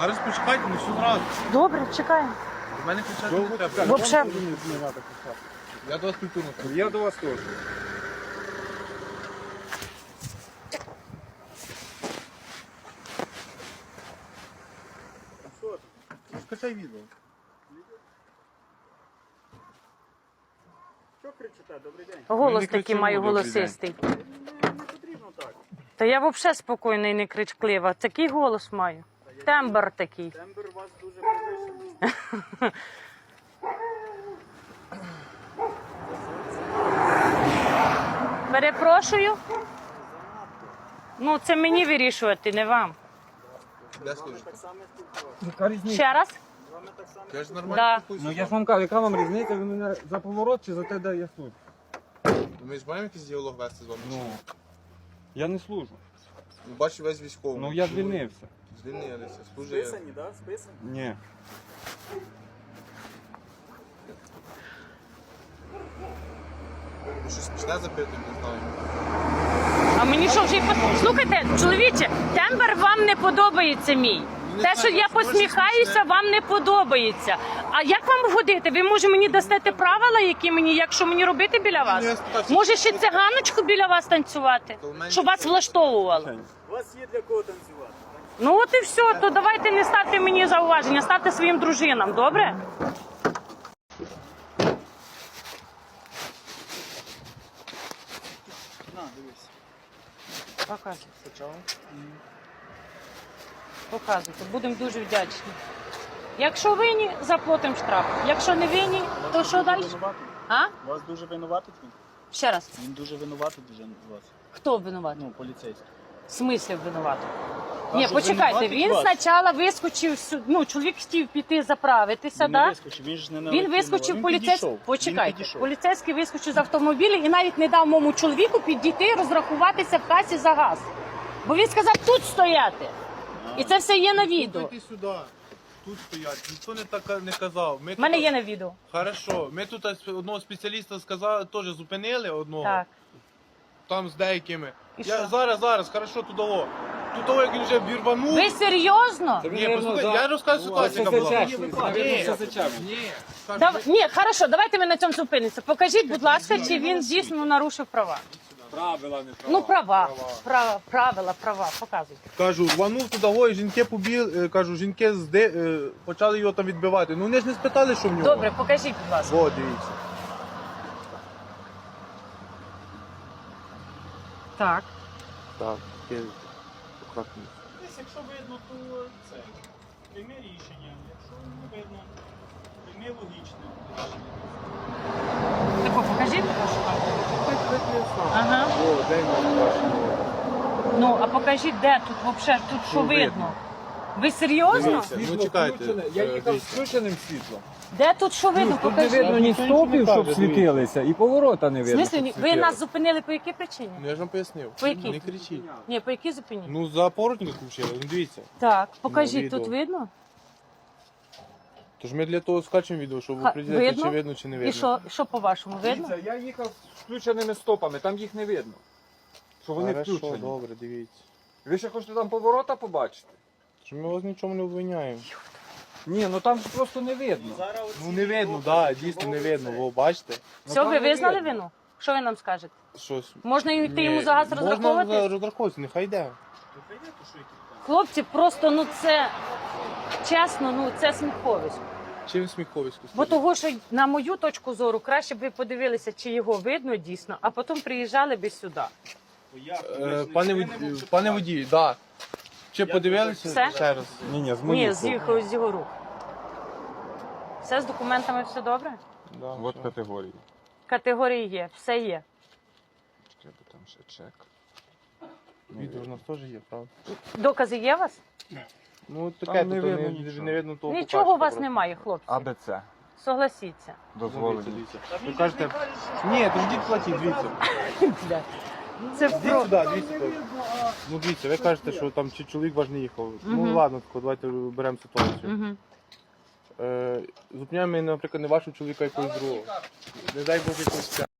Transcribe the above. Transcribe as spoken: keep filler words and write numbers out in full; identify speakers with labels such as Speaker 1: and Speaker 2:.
Speaker 1: Зараз почекайте, не все зразу.
Speaker 2: Добре, чекаємо.
Speaker 1: До мене кричати не треба.
Speaker 2: Вообще.
Speaker 1: Я до вас культурно.
Speaker 3: Я до вас теж.
Speaker 1: Скачай відео.
Speaker 4: Що кричите? Добрий день.
Speaker 2: Голос
Speaker 1: не
Speaker 2: такий
Speaker 1: кричимо,
Speaker 2: маю
Speaker 1: добрий
Speaker 2: голосистий.
Speaker 4: Не потрібно так.
Speaker 2: Та я взагалі спокійна і не кричклива. Такий голос маю. Тембр такий.
Speaker 4: Тембр у вас дуже підвищений.
Speaker 2: Перепрошую. Ну, це мені вирішувати, не вам.
Speaker 1: Де служите?
Speaker 4: Так само спілкуватися.
Speaker 3: Яка різниця?
Speaker 2: Ще раз?
Speaker 4: З вами так само.
Speaker 1: Я ж нормально
Speaker 2: Да.
Speaker 1: спілкуюся.
Speaker 3: Ну я ж вам кажу, яка вам різниця, ви мене за поворот чи за те, де я служу?
Speaker 1: Ми ж маємо якийсь діалог вести з вами?
Speaker 3: Ну, я не служу.
Speaker 1: Ну, бачу весь військовий.
Speaker 3: Ну я звільнився.
Speaker 1: Звільнилися, служив.
Speaker 4: Списані, так? Списані?
Speaker 3: Ні.
Speaker 1: Ви щось почне запитувати, не знаю.
Speaker 2: А мені що вже й по... Слухайте, чоловіче, тембр вам не подобається мій.
Speaker 1: Не
Speaker 2: Те, що
Speaker 1: знаю,
Speaker 2: я
Speaker 1: може,
Speaker 2: посміхаюся,
Speaker 1: смішне.
Speaker 2: вам не подобається. А як вам годити? Ви може мені дасте правила, які мені, якщо мені робити біля вас?
Speaker 1: Ну, я спитався,
Speaker 2: Може ще
Speaker 1: що-
Speaker 2: циганочку біля вас танцювати?
Speaker 1: То в мене
Speaker 2: Щоб вас
Speaker 1: це-
Speaker 2: влаштовувало?
Speaker 4: У вас є для кого танцювати.
Speaker 2: Ну от і все, то давайте не ставте мені зауваження, ставте своїм дружинам, добре?
Speaker 4: На, дивись.
Speaker 2: Показуйте. Показуйте, будемо дуже вдячні. Якщо винні, заплатимо штраф. Якщо не винні, то що далі?
Speaker 4: Винуватий.
Speaker 2: А?
Speaker 4: Вас дуже винуватий він?
Speaker 2: Ще раз.
Speaker 4: Він дуже винуватий дуже вас.
Speaker 2: Хто винуватий?
Speaker 4: Ну, поліцейський.
Speaker 2: В смислі винуватий?
Speaker 4: А
Speaker 2: Ні,
Speaker 4: що,
Speaker 2: почекайте,
Speaker 4: винуватий
Speaker 2: він
Speaker 4: вас?
Speaker 2: спочатку вискочив сюди, ну, чоловік хотів піти заправитися,
Speaker 4: Він не
Speaker 2: да?
Speaker 4: вискочив, він ж не
Speaker 2: Він
Speaker 4: налетів.
Speaker 2: вискочив,
Speaker 4: Він
Speaker 2: поліцейський,
Speaker 4: підійшов.
Speaker 2: почекайте,
Speaker 4: Він підійшов.
Speaker 2: поліцейський вискочив з автомобіля і навіть не дав моєму чоловіку підійти розрахуватися в касі за газ. Бо він сказав тут стояти. І це все є на відео.
Speaker 1: Йди сюди. Тут стоять. Ніхто не так не казав. Ми
Speaker 2: У мене
Speaker 1: тут-
Speaker 2: є на відео.
Speaker 1: Хорошо. Ми тут одного спеціаліста сказали, теж зупинили одного.
Speaker 2: Так.
Speaker 1: Там з деякими.
Speaker 2: І
Speaker 1: Я
Speaker 2: що?
Speaker 1: зараз, зараз, хорошо, тут того. Тут того, як він вже вірванув.
Speaker 2: Ви серйозно?
Speaker 1: Ні, послухай, я розказую ситуацію, яка була. Ні, скажу,
Speaker 2: Дав... Ні, хорошо, давайте ми на цьому зупинимося. Покажіть, будь ласка, чи він дійсно нарушив права.
Speaker 3: Правила не права.
Speaker 2: Ну, права, права, правила, права, показуйте.
Speaker 1: Кажу, рванув туди, го, і жінки побіг, кажу, жінки зде, е, почали його там відбивати. Ну вони ж не спитали, що в нього.
Speaker 2: Добре, покажіть, будь ласка.
Speaker 1: О, дивіться.
Speaker 2: Так.
Speaker 1: Так, акуратно.
Speaker 4: Десь, якщо видно, то це. Прийми рішення. Якщо не видно, прийми логічне рішення.
Speaker 2: Тако, покажіть. Ага.
Speaker 1: О, де він?
Speaker 2: Ну, а покажіть, де тут взагалі, тут що
Speaker 1: Ну, видно.
Speaker 2: видно? Ви серйозно?
Speaker 1: Дивіться.
Speaker 3: Світло
Speaker 1: Ну, чекайте,
Speaker 3: включене. Я
Speaker 1: е,
Speaker 3: їхав з
Speaker 1: дивіться.
Speaker 3: включеним світлом.
Speaker 2: Де тут що видно?
Speaker 3: Тут не
Speaker 2: Покажіть.
Speaker 3: видно ні
Speaker 1: Ніхто нічого не
Speaker 3: стопів, щоб
Speaker 1: каже,
Speaker 3: світилися, і поворота не
Speaker 2: В
Speaker 3: видно.
Speaker 2: смислі,
Speaker 3: щоб
Speaker 2: ви
Speaker 3: світилися.
Speaker 2: нас зупинили по якій причині?
Speaker 1: Ну я ж вам пояснив.
Speaker 2: По якій?
Speaker 1: Не кричіть.
Speaker 2: Ні, по якій зупині?
Speaker 1: Ну за поворотник включили, ну дивіться.
Speaker 2: Так, покажіть,
Speaker 1: відео.
Speaker 2: тут видно?
Speaker 1: Тож ми для того скачемо відео, щоб
Speaker 2: Ха,
Speaker 1: определити,
Speaker 2: видно?
Speaker 1: чи видно, чи не видно.
Speaker 2: І що, що по-вашому, видно?
Speaker 3: Дивіться, я їхав з включеними стопами, там їх не видно. Що вони
Speaker 1: Хорошо,
Speaker 3: включені.
Speaker 1: добре, дивіться.
Speaker 3: Ви ще хочете там поворота побачити?
Speaker 1: Тож ми вас нічому не обвиняємо.
Speaker 3: Ні, ну там ж просто не видно.
Speaker 4: Зараз оці
Speaker 1: Ну не видно,
Speaker 4: докази,
Speaker 1: так,
Speaker 4: що
Speaker 1: дійсно не
Speaker 4: говориться.
Speaker 1: видно, ви бачите?
Speaker 3: Ну,
Speaker 2: Все,
Speaker 3: там
Speaker 2: ви
Speaker 3: не
Speaker 2: визнали
Speaker 3: видно.
Speaker 2: вину? Що ви нам скажете?
Speaker 1: Щось.
Speaker 2: Можна йти
Speaker 1: Ні,
Speaker 2: йому за газ
Speaker 1: Можна
Speaker 2: розраховуватись?
Speaker 1: розраховуватися, нехай йде.
Speaker 4: Ви прийдете, що які там?
Speaker 2: Хлопці, просто, ну це, чесно, ну це сміховисько.
Speaker 1: Чим сміховисько
Speaker 2: Бо
Speaker 1: стоїть?
Speaker 2: того, що на мою точку зору, краще б ви подивилися, чи його видно дійсно, а потім приїжджали би сюди.
Speaker 1: Е, Пане водій, пане водій, да. Чи подивилися
Speaker 2: Все?
Speaker 1: ще раз?
Speaker 3: Ні, ні, з
Speaker 2: Ні,
Speaker 3: моїх
Speaker 2: з його, з його рук. Все з документами, все добре?
Speaker 1: Да,
Speaker 3: От
Speaker 1: все.
Speaker 3: категорії.
Speaker 2: Категорії є, все є.
Speaker 3: Треба там ще чек.
Speaker 1: Відео ж у нас теж є, правда?
Speaker 2: Докази є у вас?
Speaker 1: Ну таке,
Speaker 3: Там
Speaker 1: тут
Speaker 3: не
Speaker 1: не,
Speaker 3: видно
Speaker 1: не,
Speaker 3: нічого.
Speaker 1: не видно того.
Speaker 2: Нічого у
Speaker 1: покажу
Speaker 2: вас
Speaker 1: просто.
Speaker 2: немає, хлопці.
Speaker 3: АБЦ.
Speaker 2: Согласіться.
Speaker 1: Ну,
Speaker 3: Дозволені.
Speaker 1: дивіться, дивіться. Ви кажете, ні, то йдіть платіть, дивіться.
Speaker 2: Бля. Це
Speaker 1: Йдіть
Speaker 2: про...
Speaker 1: сюди, дивіться. то. Ну дивіться, ви кажете, що там чи чоловік ваш не їхав. Ну
Speaker 2: Мгм.
Speaker 1: ладно, тако, давайте беремо ситуацію.
Speaker 2: Угу.
Speaker 1: Е, зупиняємо, наприклад, не вашого чоловіка, а якогось другого. Не дай Бог якогось.